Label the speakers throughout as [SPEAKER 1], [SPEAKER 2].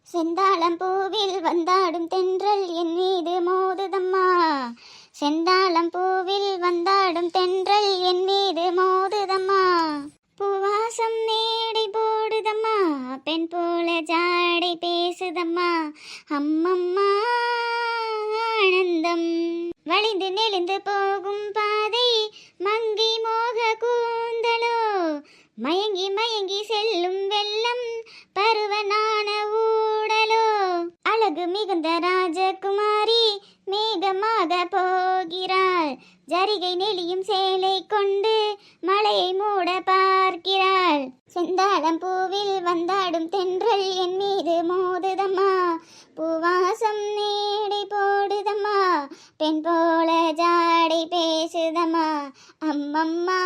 [SPEAKER 1] செந்தாளம் பூவில் வந்தாடும் தென்றல் என் மீது மோதுதம்மா. செந்தாளம் பூவில் வந்தாடும் தென்றல் என் மீது மோதுதம்மா. பூவாசம் மேடை போடுதம்மா, பெண் போல ஜாடை பேசுதம்மா. அம்மம்மா ஆனந்தம். வழிந்து நெளிந்து போகும் பாதை மங்கி மோக கூந்தலோ, மயங்கி மயங்கி செல்லும் வெள்ளம் பருவனான ஊடலோ. அழகு மிகுந்த ராஜகுமாரி மேகமாக போகிறாள், ஜரிகை நெளியும் சேலை கொண்டு மலையை மூட பார்க்கிறாள். செந்தாளம் பூவில் வந்தாடும் தென்றல் என் மீது மோதுதம்மா. பூவாசம் நேடை போடுதம்மா, பெண் போல ஜாடை பேசுதம்மா. அம்மம்மா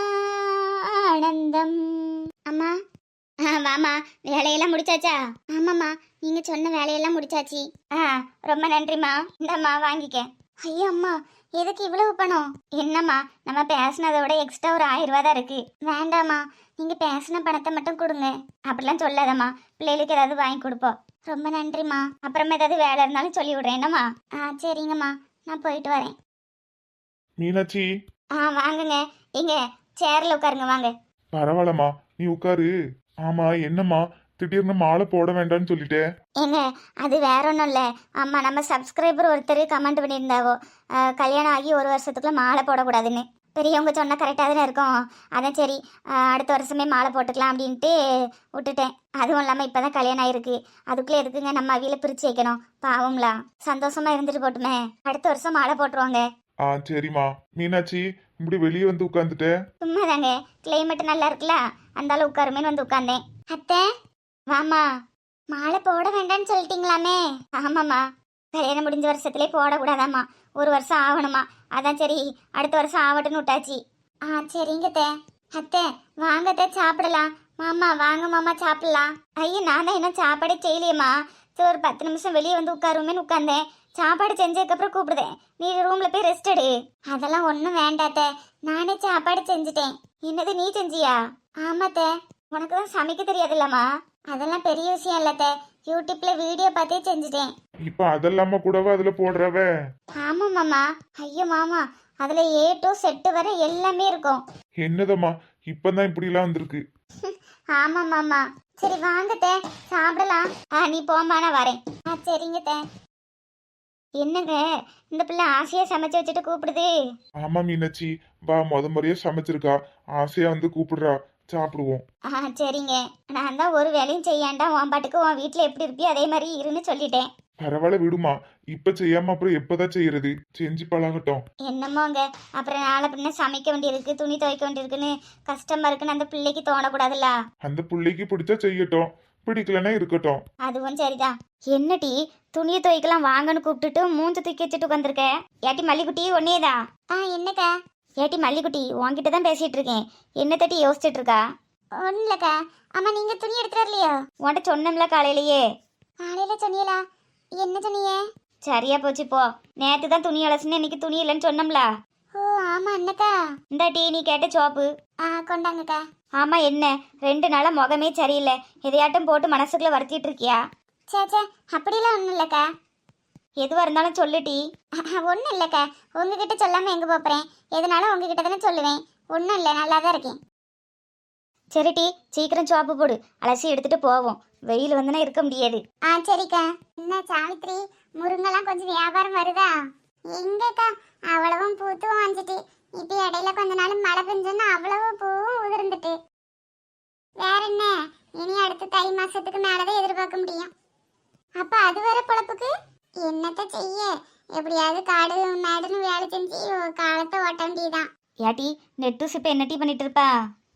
[SPEAKER 1] ஆனந்தம். அம்மா வாமா, வேலையெல்லாம் முடிச்சாச்சா? ஆமாம்மா, நீங்க சொன்ன வேலையெல்லாம் முடிச்சாச்சு. ரொம்ப நன்றிம்மா. இந்தம்மா வாங்கிக்க. ஐயோ அம்மா, எதுக்கு இவ்வளவு பணம்? என்னம்மா, நம்ம பேசினதை விட எக்ஸ்ட்ரா ஒரு 1000 ரூபா தான் இருக்கு. வேண்டாம்மா, நீங்க பேசின பணத்தை மட்டும் கொடுங்க. அப்படிலாம் சொல்லாதம்மா, பிள்ளைகளுக்கு ஏதாவது வாங்கி கொடுப்போம். ரொம்ப நன்றிம்மா. அப்புறமா ஏதாவது வேலை இருந்தாலும் சொல்லி விடுறேன். என்னம்மா? சரிங்கம்மா, நான் போயிட்டு வரேன்.
[SPEAKER 2] மீனாட்சி.
[SPEAKER 1] வாங்குங்க. எங்க சேர்ல உட்காருங்க. வாங்க.
[SPEAKER 2] பரவாயில்லம்மா, நீ உட்காரு. ஆமா, என்னம்மா திடீர்னு மாலை போட வேண்டாம்னு சொல்லிட்டேன்?
[SPEAKER 1] ஏங்க, அது வேற ஒன்றும் இல்லை. ஆமாம், நம்ம சப்ஸ்கிரைபர் ஒருத்தர் கமெண்ட் பண்ணியிருந்தாவோ, கல்யாணம் ஆகி 1 வருஷத்துக்குள்ள மாலை போடக்கூடாதுன்னு. பெரியவங்க சொன்னால் கரெக்டாக தானே இருக்கும். அதான் சரி, அடுத்த வருஷமே மாலை போட்டுக்கலாம் அப்படின்ட்டு விட்டுட்டேன். அதுவும் இல்லாமல் இப்போ தான் கல்யாணம் ஆயிருக்கு, அதுக்குள்ளே எதுக்குங்க நம்ம அவியில் பிரித்து வைக்கணும்? பாவங்களா, சந்தோஷமா இருந்துட்டு போட்டுமே. அடுத்த வருஷம் மாலை போட்டுருவாங்க.
[SPEAKER 2] சரிம்மா. மீனாட்சி, இப்படி வெளியே வந்து உட்காந்துட்ட?
[SPEAKER 1] சும்மா தாங்க, கிளைமேட் நல்லா இருக்குல்ல, அந்தாலும் உட்காருமேன்னு வந்து உட்காந்தேன். அத்தை வாமா, மாலை போட வேண்டாம்னு சொல்லிட்டீங்களாமே? ஆமாம்மா, கல்யாணம் முடிஞ்ச வருஷத்துலேயே போடக்கூடாதாம்மா, 1 வருஷம் ஆகணுமா. அதான் சரி, அடுத்த வருஷம் ஆகட்டும்னு விட்டாச்சு. சரிங்க அத்தை. அத்தை வாங்க அத்தை, சாப்பிடலாம். மாமா வாங்க மாமா, சாப்பிடலாம். ஐயோ, நான் தான் இன்னும் சாப்பாடே செய்யலையம்மா. சரி, ஒரு 10 நிமிஷம் வெளியே வந்து உட்காருமேன்னு உட்காந்தேன். சாப்பாடு செஞ்சதுக்கப்புறம் கூப்பிடுதேன், நீ ரூம்ல போய் ரெஸ்ட் எடு. அதெல்லாம் ஒன்றும் வேண்டாத்த, நானே சாப்பாடு செஞ்சுட்டேன். என்னது, நீ செஞ்சியா? ஆமாத்த. உனக்கு தான் சமைக்க தெரியாதுல்லம்மா. அதெல்லாம் பெரிய விஷயம் இல்லத்த, யூடியூப்ல வீடியோ பார்த்தே செஞ்சுட்டேன்.
[SPEAKER 2] இப்ப அதெல்லாம கூடவா அதுல போடுறவ?
[SPEAKER 1] ஆமா மாமா. ஐயோ மாமா, அதுல A to Z வரை எல்லாமே இருக்கும்.
[SPEAKER 2] என்னதம்மா, இப்பதான் இப்படி எல்லாம் வந்திருக்கு?
[SPEAKER 1] ஆமா மாமா. சரி வாங்கத்த, சாப்பிடலாம். நீ போமா, நான் வரேன். சரிங்கத்த. என்னங்க, இந்த பிள்ளை ஆசையா சமைச்சு வச்சுட்டு கூப்பிடுது?
[SPEAKER 2] ஆமா மீனாட்சி, வா, முறையா சமைச்சிருக்கா, ஆசையா வந்து கூப்பிடுறா, சாப்பிடுவோம்.
[SPEAKER 1] சரிங்க. நான் தான் ஒரு வேலையும் செய்யாண்டா, உன் பாட்டுக்கு உன் வீட்டுல எப்படி இருப்பியோ அதே மாதிரி இருன்னு சொல்லிட்டேன்.
[SPEAKER 2] பரவாயில்ல விடுமா, இப்ப செய்யாம அப்புறம் எப்பதான் செய்யறது? செஞ்சு பழகட்டும்.
[SPEAKER 1] என்னமோங்க, அப்புறம் நாளை பின்ன சமைக்க வேண்டியிருக்கு, துணி துவைக்க வேண்டியிருக்குன்னு கஷ்டமா இருக்குன்னு அந்த பிள்ளைக்கு தோணக்கூடாதுல்ல.
[SPEAKER 2] அந்த பிள்ளைக்கு பிடிச்சா செய்யட்டும், பிடிக்கலன்னா இருக்கட்டும்.
[SPEAKER 1] அதுவும் சரிதான். என்னடி, துணியை துவைக்கலாம் வாங்கன்னு கூப்பிட்டுட்டு மூஞ்ச தூக்கி வச்சுட்டு உட்காந்துருக்க? ஏட்டி மல்லிக்குட்டி, ஒன்னேதான். என்னக்கா? ஏட்டி மல்லிக்குட்டி, உன்கிட்ட தான் பேசிட்டு இருக்கேன். என்ன தட்டி யோசிச்சுட்டு இருக்கா? ஒன்றும் இல்லக்கா. அம்மா, நீங்க துணி எடுத்துட்டு வரலையோ? உன்கிட்ட சொன்னோம்ல காலையிலேயே. காலையில சொன்னீங்களா? என்ன சொன்னீங்க? சரியா போச்சு போ. நேற்று தான் துணி அலசுன்னு, இன்னைக்கு துணி இல்லைன்னு சொன்னோம்ல. ஓ ஆமா அண்ணக்கா. இந்த டீ நீ கேட்ட சோப்பு கொண்டாங்கக்கா. ஆமா, என்ன 2 நாளா முகமே சரியில்லை, எதையாட்டும் போட்டு மனசுக்குள்ள வருத்திட்டு இருக்கியா? சேச்சே, அப்படிலாம் ஒன்றும் இல்லைக்கா. எதுவாக இருந்தாலும் சொல்லுட்டி. ஒன்றும் இல்லைக்கா, உங்ககிட்ட சொல்லாமல் எங்கே போகிறேன்? எதனாலும் உங்ககிட்ட தானே சொல்லுவேன். ஒன்றும் இல்லை, நல்லா தான் இருக்கேன். சரி டீ, சீக்கிரம் சோப்பு போடு, அலசி எடுத்துட்டு போவோம். வெயில் வந்துனா இருக்க முடியாது. சரிக்கா. என்ன சாவித்ரி, முருங்கெல்லாம் கொஞ்சம் வியாபாரம் வருதா? எங்கக்கா, அவ்வளவும் பூத்துவும் வந்துட்டு. இப்போ இடையில கொஞ்ச நாள் மழை பெஞ்சோன்னா அவ்வளவு பூவும் உதிர்ந்துட்டு. வேற என்ன, இனி அடுத்த தை மாசத்துக்கு மேலதான் எதிர்பார்க்க முடியும். அப்ப அது வர பொழப்புக்கு என்னத்த செய்ய, எப்படியாவது காடு மேடுன்னு வேலை செஞ்சு காலத்தை ஓட்ட வேண்டியதான். ஏட்டி நெட்டூஸ் இப்ப என்ன டீ பண்ணிட்டு இருப்பா?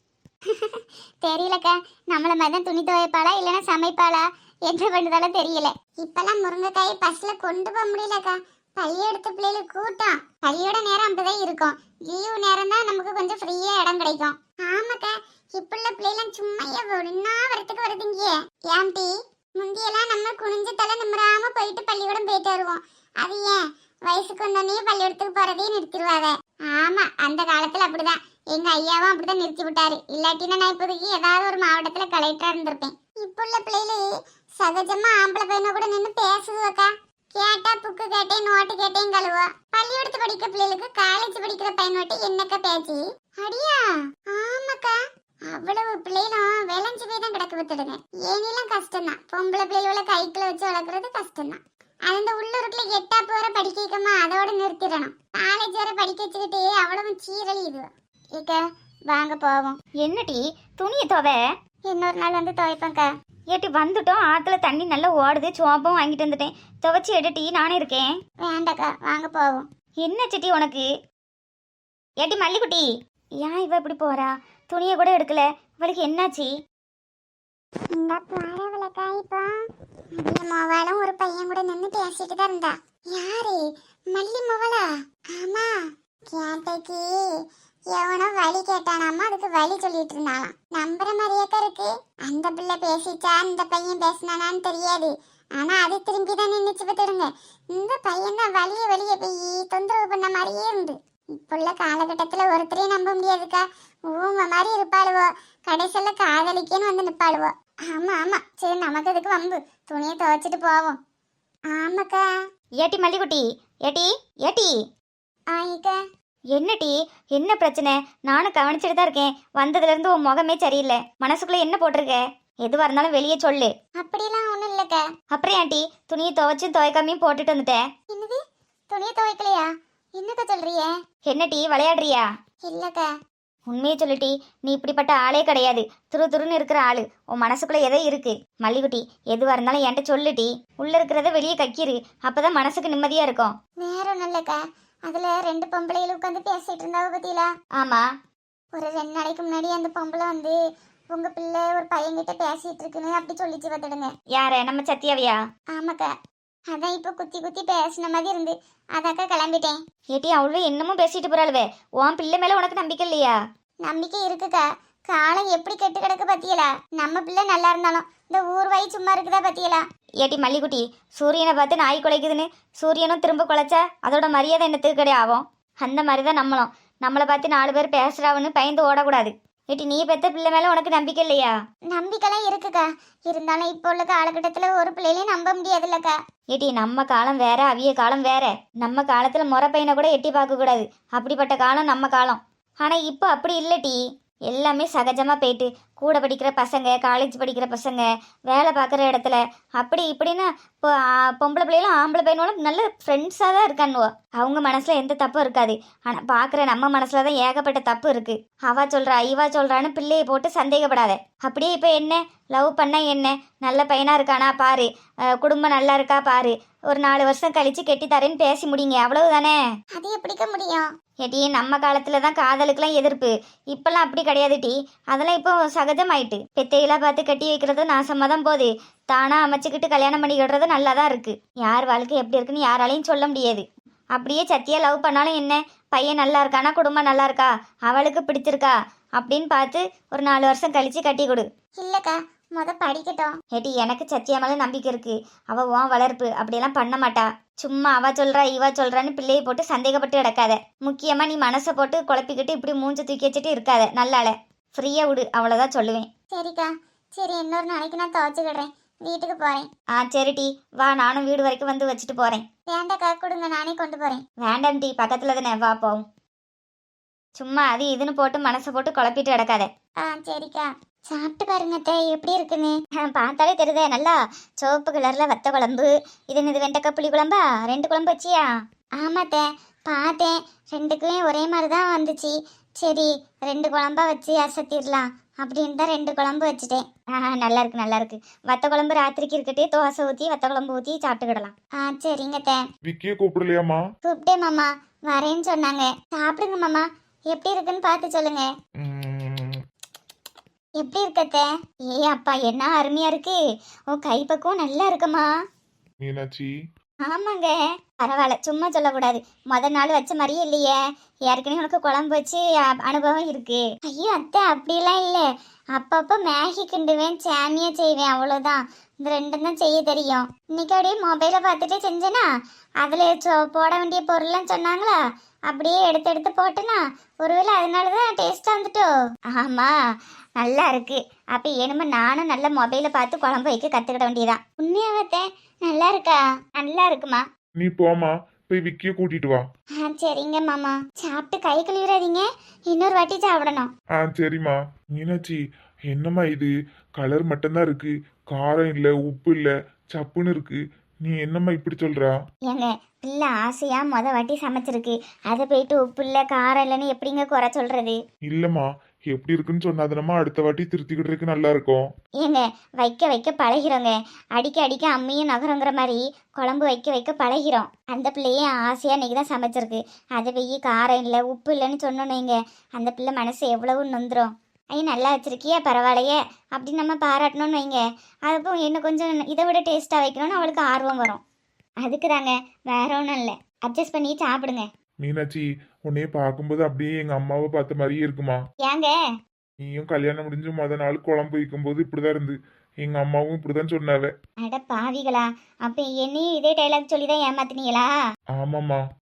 [SPEAKER 1] தெரியலக்கா, நம்மள மாதிரி தான் துணி துவைப்பாளா இல்லைன்னா சமைப்பாளா என்ன பண்ணுதாலும் தெரியல. இப்பெல்லாம் முருங்கைக்காயை பஸ்ல கொண்டு போக முடியலக்கா, பள்ளி எடுத்த பிள்ளைகளுக்கு கூட்டம். பள்ளியோட நேரம் அப்படிதான் இருக்கும், லீவு நேரம் தான் நமக்கு கொஞ்சம் ஃப்ரீயா இடம் கிடைக்கும். ஆமாக்கா, இப்ப உள்ள பிள்ளைலாம் சும்மா ஒன்னா வரத்துக்கு வருதுங்க. ஏன் டீ, முந்தியெல்லாம் நம்ம குனிஞ்ச தலை நிம்மராம போயிட்டு பள்ளிக்கூடம் போயிட்டு வருவோம். அது ஏன் வயசுக்கு வந்தோடனே பள்ளிக்கூடத்துக்கு போறதே நிறுத்திடுவாங்க. ஆமா, அந்த காலத்துல அப்படிதான். எங்க ஐயாவும் அப்படிதான் நிறுத்தி விட்டாரு. இல்லாட்டினா நான் இப்போதைக்கு ஏதாவது ஒரு மாவட்டத்துல கலெக்டரா இருந்திருப்பேன். இப்ப உள்ள பிள்ளைகளு
[SPEAKER 3] சகஜமா ஆம்பளை பையனை கூட நின்று பேசுதுவக்கா. கேட்டா புக்கு கேட்டேன் நோட்டு கேட்டேன் கழுவா. பள்ளிக்கூடத்து படிக்கிற பிள்ளைகளுக்கு காலேஜ் படிக்கிற பையனோட்டு என்னக்கா பேச்சு? அடியா ஆமாக்கா, அவ்வளவு பிள்ளைகளும் விளைஞ்சு போய் தான் கிடக்கு வித்துடுங்க. ஏனிலாம் கஷ்டம்தான், பொம்பளை பிள்ளைகளை கைக்குள்ள வச்சு வளர்க்குறது கஷ்டம்தான். அந்த உள்ளூருக்குள்ள 8ஆம் வரை படிக்க வைக்கமா அதோட நிறுத்திடணும். காலேஜ் வரை படிக்க வச்சுக்கிட்டு அவ்வளவு சீரழி இது. இக்க வாங்க போவோம்.
[SPEAKER 1] என்னடி துணியை துவை?
[SPEAKER 3] இன்னொரு நாள் வந்து துவைப்பேங்க்கா.
[SPEAKER 1] ஏட்டி வந்துட்டோம், ஆத்துல தண்ணி நல்லா ஓடுது, சோப்பம் வாங்கிட்டு வந்துட்டேன், துவைச்சி எடுட்டி, நானே இருக்கேன்.
[SPEAKER 3] வேண்டாக்கா வாங்க போவோம்.
[SPEAKER 1] என்ன சிட்டி உனக்கு? ஏட்டி மல்லிக்குட்டி, ஏன் இவ இப்படி போறா? துணியை கூட எடுக்கல, இவளுக்கு என்னாச்சு?
[SPEAKER 3] இந்த பரவலக்கா இப்போ மல்லி மொவாலும் ஒரு பையன் கூட நின்று பேசிட்டு தான் இருந்தா. யாரு? மல்லி மொவலா? ஆமா, கேட்டைக்கு எவனோ வழி கேட்டானாமா, அதுக்கு வழி சொல்லிட்டு இருந்தாலாம். நம்புற மாதிரியாக்கா இருக்கு. அந்த பிள்ளை பேசிச்சா இந்த பையன் பேசினானான்னு தெரியாது, ஆனா அது திரும்பி தான் நின்றுச்சு பார்த்துடுங்க. இந்த பையன் தான் வழிய போய் தொந்தரவு பண்ண மாதிரியே இருந்து. இப்போ உள்ள காலகட்டத்துல ஒருத்தரையும் நம்ப முடியாதுக்கா. ஊம மாதிரி இருப்பாளுவோ, கடைசியில காதலிக்கேன்னு வந்து நிப்பாளுவோ. ஆமா ஆமா, சரி நமக்கு இதுக்கு வம்பு, துணியை துவைச்சிட்டு போவோம். ஆமாக்கா.
[SPEAKER 1] ஏட்டி மல்லிக்குட்டி, ஏட்டி ஏட்டி.
[SPEAKER 3] ஆயிக்கா.
[SPEAKER 1] என்னடி, என்ன பிரச்சனை? நானும் கவனிச்சுட்டு தான் இருக்கேன். வந்ததுல இருந்து உன் முகமே சரியில்லை. மனசுக்குள்ள என்ன போட்டிருக்க? எதுவா இருந்தாலும் வெளியே சொல்லு.
[SPEAKER 3] அப்படிலாம் ஒண்ணும் இல்லக்கா.
[SPEAKER 1] அப்புறம் ஏன்டி துணியை துவைச்சும் துவைக்காமையும் போட்டுட்டு வந்துட்டேன்?
[SPEAKER 3] என்னது, துணியை துவைக்கலையா? என்னக்கா சொல்றிய?
[SPEAKER 1] என்னடி விளையாடுறியா?
[SPEAKER 3] இல்லக்கா.
[SPEAKER 1] உண்மையை சொல்லிட்டி, நீ இப்படிப்பட்ட ஆளே கிடையாது. துருன்னு இருக்கிற ஆளு. உன் மனசுக்குள்ள எதோ இருக்கு. மல்லிகுட்டி, எதுவா இருந்தாலும் என்கிட்ட சொல்லுட்டி. உள்ள இருக்கிறத வெளியே கக்கிரு, அப்பதான் மனசுக்கு நிம்மதியா இருக்கும்.
[SPEAKER 3] வேற ஒண்ணும் இல்லக்கா, அதுல 2 பொம்பளைகள் உட்காந்து பேசிட்டு இருந்தாவ பத்தியில.
[SPEAKER 1] ஆமா,
[SPEAKER 3] ஒரு 2 நாளைக்கு முன்னாடி அந்த பொம்பளை வந்து உங்க பிள்ளை ஒரு பையன்கிட்ட பேசிட்டு இருக்குன்னு அப்படி சொல்லிச்சு பார்த்துடுங்க.
[SPEAKER 1] யார? நம்ம சத்யாவியா?
[SPEAKER 3] ஆமாக்கா, அதான் இப்ப குத்தி பேசின மாதிரி இருந்து அதாக்கா கிளம்பிட்டேன்.
[SPEAKER 1] ஏட்டி அவ்வளவு என்னமும் பேசிட்டு போறாளுவே. உன் பிள்ளை மேல உனக்கு நம்பிக்கை இல்லையா?
[SPEAKER 3] நம்பிக்கை இருக்குக்கா, காலம் எப்படி கெட்டு கிடக்கு பத்தியலா. நம்ம பிள்ளை நல்லா இருந்தாலும் இந்த ஊர்வாய் சும்மா இருக்குதா பத்தியலா.
[SPEAKER 1] ஏட்டி மல்லிகுட்டி, சூரியனை பார்த்து நாய் குலைக்குதுன்னு சூரியனும் திரும்ப குலைச்சா அதோட மரியாதை என்னத்துக்கு கிடையாது ஆகும்? அந்த மாதிரி தான் நம்மளும். நம்மளை பார்த்து 4 பேர் பேசுறாவுன்னு பயந்து ஓடக்கூடாது. ஏட்டி நீ பெத்த பிள்ளை மேல உனக்கு நம்பிக்கை இல்லையா?
[SPEAKER 3] நம்பிக்கைலாம் இருக்குக்கா, இருந்தாலும் இப்போ உள்ள காலகட்டத்துல ஒரு பிள்ளையிலையும் நம்ப முடியாதுல்லக்கா.
[SPEAKER 1] ஏட்டி நம்ம காலம் வேற, அவிய காலம் வேற. நம்ம காலத்துல முறை பையனை கூட எட்டி பார்க்க கூடாது, அப்படிப்பட்ட காலம் நம்ம காலம். ஆனா இப்போ அப்படி இல்லட்டி, எல்லாமே சகஜமா போயிட்டு கூட படிக்கிற பசங்க, காலேஜ் படிக்கிற பசங்க, வேலை பார்க்குற இடத்துல அப்படி இப்படின்னு இப்போ பொம்பளை பிள்ளைகளும் ஆம்பளை பையனோட நல்ல ஃப்ரெண்ட்ஸாக தான் இருக்கானுவோ. அவங்க மனசுல எந்த தப்பும் இருக்காது. ஆனால் பார்க்குற நம்ம மனசுல தான் ஏகப்பட்ட தப்பு இருக்கு. அவா சொல்றா இவா சொல்றான்னு பிள்ளையை போட்டு சந்தேகப்படாத. அப்படியே இப்போ என்ன லவ் பண்ண என்ன, நல்ல பையனா இருக்கானா பாரு, குடும்பம் நல்லா இருக்கா பாரு, ஒரு 4 வருஷம் கழிச்சு கெட்டி தரேன்னு பேசி முடிங்க, அவ்வளவுதானே.
[SPEAKER 3] அது எப்படிக்க முடியும்?
[SPEAKER 1] ஏட்டி நம்ம காலத்துல தான் காதலுக்குலாம் எதிர்ப்பு, இப்பெல்லாம் அப்படி கிடையாது டி. அதெல்லாம் இப்போ சகஜமாயிட்டு. பெத்தையெல்லாம் பார்த்து கட்டி வைக்கிறது நாசமா தான் போகுது. தானா அமைச்சுக்கிட்டு கல்யாணம் பண்ணிக்கிடுறது நல்லா தான் இருக்கு. யார் வாழ்க்கை எப்படி இருக்குன்னு யாராலையும் சொல்ல முடியாது. அப்படியே சத்தியா லவ் பண்ணாலும் என்ன, பையன் நல்லா இருக்கானா, குடும்பம் நல்லா இருக்கா, அவளுக்கு பிடிச்சிருக்கா அப்படின்னு பார்த்து ஒரு 4 வருஷம் கழிச்சு கட்டி கொடு.
[SPEAKER 3] இல்லக்கா, படிக்கட்டும்.
[SPEAKER 1] ஏட்டி எனக்கு சத்தியா மேல நம்பிக்கை இருக்கு. அவ உன் வளர்ப்பு அப்படியெல்லாம் பண்ண மாட்டா. சும்மா அவ சொல்றா இவ சொல்றான்னு பிள்ளையை போட்டு சந்தேகப்பட்டு கிடக்காத. முக்கியமா நீ மனசை போட்டு குழப்பிக்கிட்டு இப்படி மூஞ்ச தூக்கி வச்சுட்டு இருக்காத. நல்லால ஃப்ரீயா விடு, அவ்வளவுதான் சொல்லுவேன்.
[SPEAKER 3] சரிக்கா, சரி இன்னொரு நாளைக்கு நான் துவைச்சுக்கிடுறேன், வீட்டுக்கு போறேன்.
[SPEAKER 1] சரி டி, வா நானும் வீடு வரைக்கும் வந்து வச்சுட்டு போறேன்.
[SPEAKER 3] வேண்டாக்கா, கொடுங்க நானே கொண்டு போறேன்.
[SPEAKER 1] வேண்டாம் டி, பக்கத்துல தானே, வா போவும். சும்மா அது இதுன்னு போட்டு மனசை போட்டு குழப்பிட்டு கிடக்காத.
[SPEAKER 3] சரிக்கா. சாப்பிட்டு பாருங்க அத்தை, எப்படி இருக்குன்னு.
[SPEAKER 1] பார்த்தாலே தெரியுதே, நல்லா சிவப்பு கலர்ல வத்த குழம்பு. இது என்னது, வெண்டைக்காய் புளி குழம்பா? 2 குழம்பு வச்சியா?
[SPEAKER 3] ஆமாத்தே, பார்த்தேன், 2க்குமே ஒரே மாதிரி தான் வந்துச்சு. சரி 2 குழம்பா வச்சு அசத்திடலாம் அப்படின்னு தான் 2 குழம்பு வச்சுட்டேன்.
[SPEAKER 1] நல்லா இருக்கு நல்லா இருக்கு. வத்த குழம்பு ராத்திரிக்கு இருக்கட்டே, தோசை ஊற்றி வத்த குழம்பு ஊற்றி சாப்பிட்டுக்கிடலாம்.
[SPEAKER 3] சரிங்க அத்தை.
[SPEAKER 2] விக்கிய கூப்பிடலையாமா?
[SPEAKER 3] கூப்பிட்டேன் மாமா, வரேன்னு சொன்னாங்க. சாப்பிடுங்க மாமா, எப்படி இருக்குன்னு பார்த்து சொல்லுங்க. எப்படி இருக்கத்த?
[SPEAKER 1] அப்பா என்ன அருமையா இருக்கு. உன் கைப்பக்கம் நல்லா இருக்குமா
[SPEAKER 2] மீனாட்சி?
[SPEAKER 1] ஆமாங்க, பரவாயில்ல, சும்மா சொல்லக்கூடாது. முத நாள் வச்ச மாதிரியே இல்லையே. ஏற்கனவே உனக்கு குழம்பு வச்சு அனுபவம் இருக்கு.
[SPEAKER 3] ஐயோ அத்தை, அப்படிலாம் இல்லை. அப்பப்போ மேகி கிண்டுவேன், சாமியா செய்வேன், அவ்வளோதான். இந்த 2 தான் செய்ய தெரியும். இன்னைக்கு அப்படியே மொபைலை பார்த்துட்டு செஞ்சேனா, அதில் போட வேண்டிய பொருள்லாம் சொன்னாங்களா, அப்படியே எடுத்து போட்டேனா, ஒருவேளை அதனால தான் டேஸ்ட்டாக வந்துட்டோ.
[SPEAKER 1] ஆமா நல்லா இருக்கு. அப்ப என்னமோ நானும் நல்ல மொபைலை பார்த்து குழம்பு வைக்க கத்துக்கிட வேண்டியதான். உண்மையாவத்தே நல்லா இருக்கா? நல்லா இருக்குமா.
[SPEAKER 2] நீ போமா, போய் விக்கிய கூட்டிட்டு வா.
[SPEAKER 1] சரிங்க மாமா. சாப்பிட்டு கை கழுவிடாதீங்க, இன்னொரு வாட்டி சாப்பிடணும்.
[SPEAKER 2] சரிம்மா. மீனாட்சி, என்னம்மா இது? கலர் மட்டும்தான் இருக்கு, காரம் இல்ல, உப்பு இல்ல, சப்புன்னு இருக்கு. நீ என்னம்மா இப்படி சொல்றா?
[SPEAKER 1] ஏங்க பிள்ளை ஆசையா வாட்டி சமைச்சிருக்கு, அதை போயிட்டு உப்பு இல்லை காரம் இல்லைன்னு எப்படிங்க குறை சொல்றது?
[SPEAKER 2] இல்லம்மா, எப்படி இருக்குன்னு சொன்னாதானம்மா அடுத்த வாட்டி திருத்திக்கிட்டு நல்லா இருக்கும்.
[SPEAKER 1] ஏங்க வைக்க வைக்க பழகிறோங்க. அடிக்க அடிக்க அம்மியும் நகரங்கிற மாதிரி குழம்பு வைக்க வைக்க பழகிறோம். அந்த பிள்ளையே ஆசையாக இன்னைக்கு தான் சமைச்சிருக்கு, அதை வெய்ய காரம் இல்லை உப்பு இல்லைன்னு சொன்னோன்னேங்க அந்த பிள்ளை மனசு எவ்வளவு நொந்துரும். ஐயா நல்லா வச்சிருக்கியா பரவாயில்லையே அப்படின்னு நம்ம பாராட்டணும்னு வைங்க, அப்போ இன்னும் கொஞ்சம் இதை விட டேஸ்ட்டாக வைக்கணும்னு அவளுக்கு ஆர்வம் வரும். அதுக்கு தாங்க, வேற ஒன்றும் இல்லை. அட்ஜஸ்ட் பண்ணி சாப்பிடுங்க.
[SPEAKER 2] மீனாட்சி, உன்னைய பார்க்கும்போது அப்படியே எங்க அம்மாவை பார்த்த மாதிரியே இருக்குமா.
[SPEAKER 1] ஏங்க?
[SPEAKER 2] நீயும் கல்யாணம் முடிஞ்சு நாள் குழம்பு வைக்கும்போது இப்படிதான் இருந்து, எங்க அம்மாவும் இப்படிதான் சொன்னாவ.
[SPEAKER 1] அட பாவிகளா, அப்போ என்னையும் இதே டைலாக் சொல்லி தான் ஏமாத்தினீங்களா?
[SPEAKER 2] ஆமாம்மா.